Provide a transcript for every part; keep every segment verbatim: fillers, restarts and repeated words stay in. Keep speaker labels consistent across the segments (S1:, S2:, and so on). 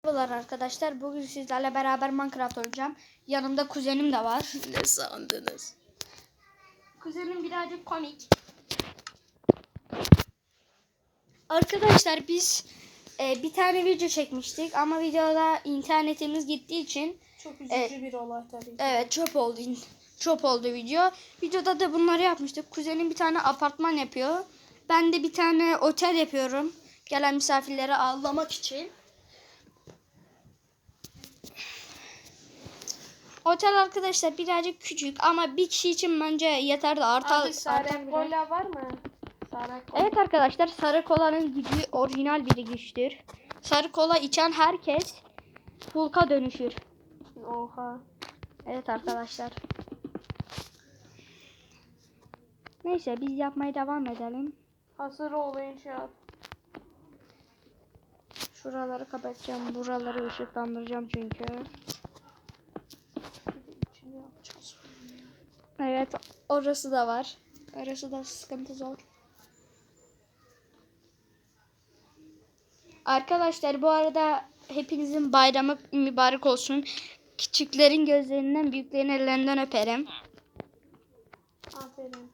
S1: Merhabalar arkadaşlar. Bugün sizlerle beraber Minecraft oynayacağım. Yanımda kuzenim de var.
S2: Ne sandınız?
S1: Kuzenim birazcık komik. Arkadaşlar biz e, bir tane video çekmiştik ama videoda internetimiz gittiği için
S2: Çok üzücü
S1: e,
S2: bir olay tabii ki.
S1: evet çöp oldu. Çöp oldu video. Videoda da bunları yapmıştık. Kuzenim bir tane apartman yapıyor. Ben de bir tane otel yapıyorum. Gelen misafirleri ağırlamak için. Otel arkadaşlar birazcık küçük ama bir kişi için bence yeter de artar.
S2: Abi sarı kola var mı? Sarı kola.
S1: Evet arkadaşlar, sarı kolanın gücü orijinal bir güçtür. Sarı kola içen herkes Hulk'a dönüşür.
S2: Oha.
S1: Evet arkadaşlar. Neyse biz yapmaya devam edelim.
S2: Hazır olun şart.
S1: Şuraları kapatacağım. Buraları ışıklandıracağım çünkü.
S2: İçini yapacağız.
S1: Evet orası da var. Orası da sıkıntı zor. Arkadaşlar bu arada hepinizin bayramı mübarek olsun. Küçüklerin gözlerinden, büyüklerin ellerinden öperim.
S2: Aferin.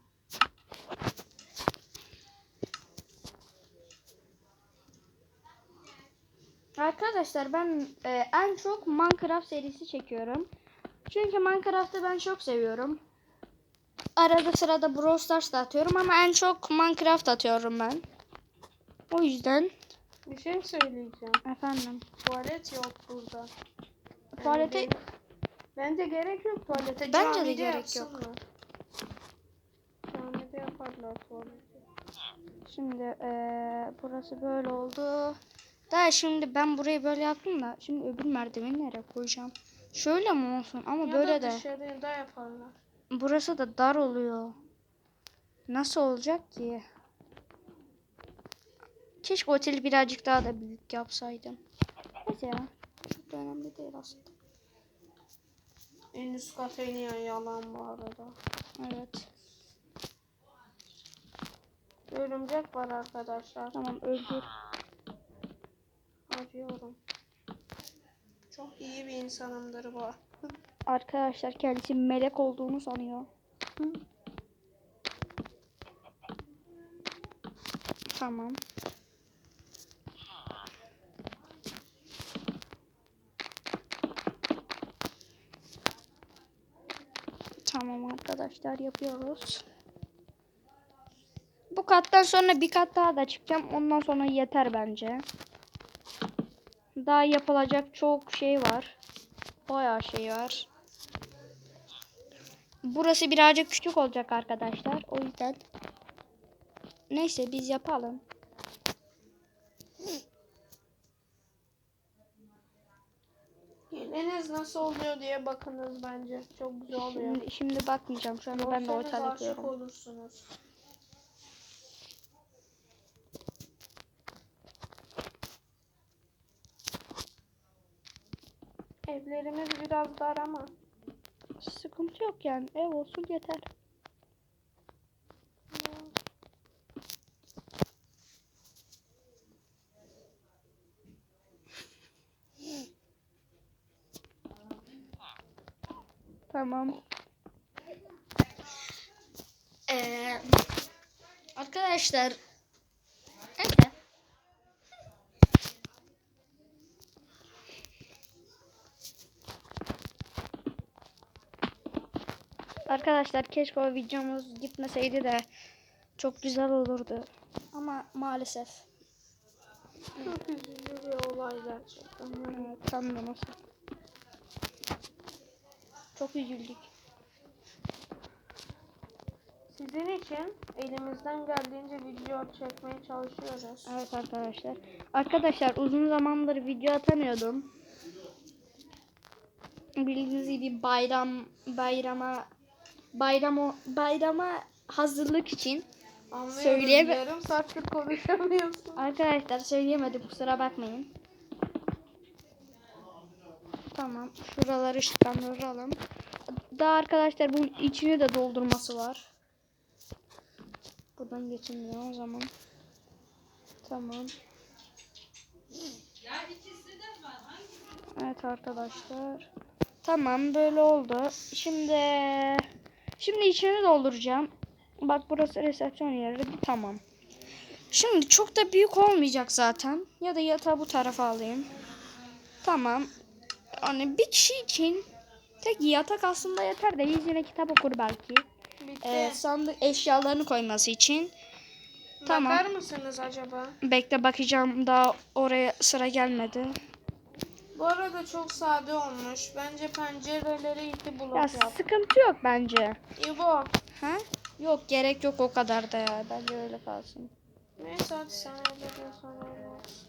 S1: Arkadaşlar ben e, en çok Minecraft serisi çekiyorum. Çünkü Minecraft'ı ben çok seviyorum. Arada sırada Brawl Stars da atıyorum ama en çok Minecraft atıyorum ben. O yüzden.
S2: Bir şey söyleyeceğim.
S1: Efendim.
S2: Tuvalet yok burada.
S1: Tuvalete...
S2: Yani bence gerek yok tuvalete.
S1: Bence de
S2: Camide
S1: gerek yok.
S2: yapsınlar. Camide yaparlar tuvaleti.
S1: Şimdi e, burası böyle oldu. Daha şimdi ben burayı böyle yaptım da şimdi öbür merdiveni nereye koyacağım? Şöyle mi olsun ama
S2: Ya
S1: böyle
S2: da
S1: de.
S2: dışarıda yaparlar.
S1: Burası da dar oluyor. Nasıl olacak ki? Keşke oteli birazcık daha da büyük yapsaydım. Neyse ya. Çok da önemli değil aslında.
S2: En üst kat en iyi yalan bu arada.
S1: Evet.
S2: Örümcek var arkadaşlar.
S1: Tamam öldür.
S2: Arıyorum. Çok iyi bir insanımdır bu.
S1: Arkadaşlar kendisi melek olduğunu sanıyor. Hı. Tamam. Tamam arkadaşlar yapıyoruz. Bu kattan sonra bir kat daha da çıkacağım. Ondan sonra yeter bence. Daha yapılacak çok şey var. Bayağı şey var. Burası birazcık küçük olacak arkadaşlar. O yüzden. Neyse biz yapalım.
S2: Yeniniz nasıl oluyor diye bakınız bence. Çok güzel oluyor.
S1: Şimdi, şimdi bakmayacağım. Şu anda ben de
S2: Görürseniz
S1: otel
S2: aşık
S1: yapıyorum.
S2: olursunuz. Evlerimiz biraz dar ama.
S1: Sıkıntı yok yani. Ev olsun yeter. Tamam. Ee, arkadaşlar. Evet. Arkadaşlar keşke o videomuz gitmeseydi de çok güzel olurdu. Ama maalesef.
S2: Çok üzücü bir olay gerçekten.
S1: Evet, tam da nasıl. Çok üzüldük.
S2: Sizin için elimizden geldiğince video çekmeye çalışıyoruz.
S1: Evet arkadaşlar. Arkadaşlar uzun zamandır video atamıyordum. Bildiğiniz gibi bayram bayrama bayram bayrama hazırlık için söyleyeme
S2: Yarım saattir konuşamıyorsun.
S1: arkadaşlar söyleyemedim, kusura bakmayın. Tamam, şuraları ışıklandıralım. Daha arkadaşlar bunun içini de doldurması var. Buradan geçilmiyor o zaman. Tamam.
S3: Ya ikisi de
S1: Evet arkadaşlar. Tamam böyle oldu. Şimdi şimdi içini dolduracağım. Bak burası resepsiyon yeri. Tamam. Şimdi çok da büyük olmayacak zaten. Ya da yatağı bu tarafa alayım. Tamam. Hani bir kişi için tek yatak aslında yeter de yine kitap okur belki.
S2: Bitti.
S1: Ee, sandık eşyalarını koyması için. Tamam.
S2: Bakar mısınız acaba?
S1: Bekle bakacağım, daha oraya sıra gelmedi.
S2: Bu arada çok sade olmuş. Bence pencereleri iki blok
S1: Ya
S2: yap.
S1: sıkıntı yok bence.
S2: İbo.
S1: Ha? Yok gerek yok o kadar da ya. Bence öyle kalsın.
S2: Neyse hadi sen öyle diyorsan öyle olsun.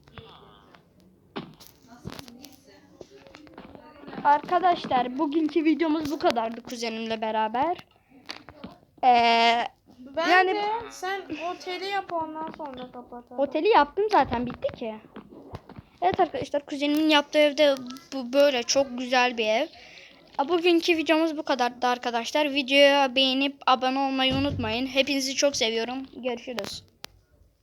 S1: Arkadaşlar bugünkü videomuz bu kadardı kuzenimle beraber. Ee,
S2: Bence
S1: Yani-
S2: sen oteli yap ondan sonra kapatalım.
S1: Oteli yaptım zaten, bitti ki. Evet arkadaşlar, kuzenimin yaptığı evde bu böyle çok güzel bir ev. Bugünkü videomuz bu kadardı arkadaşlar. Videoya beğenip abone olmayı unutmayın. Hepinizi çok seviyorum. Görüşürüz.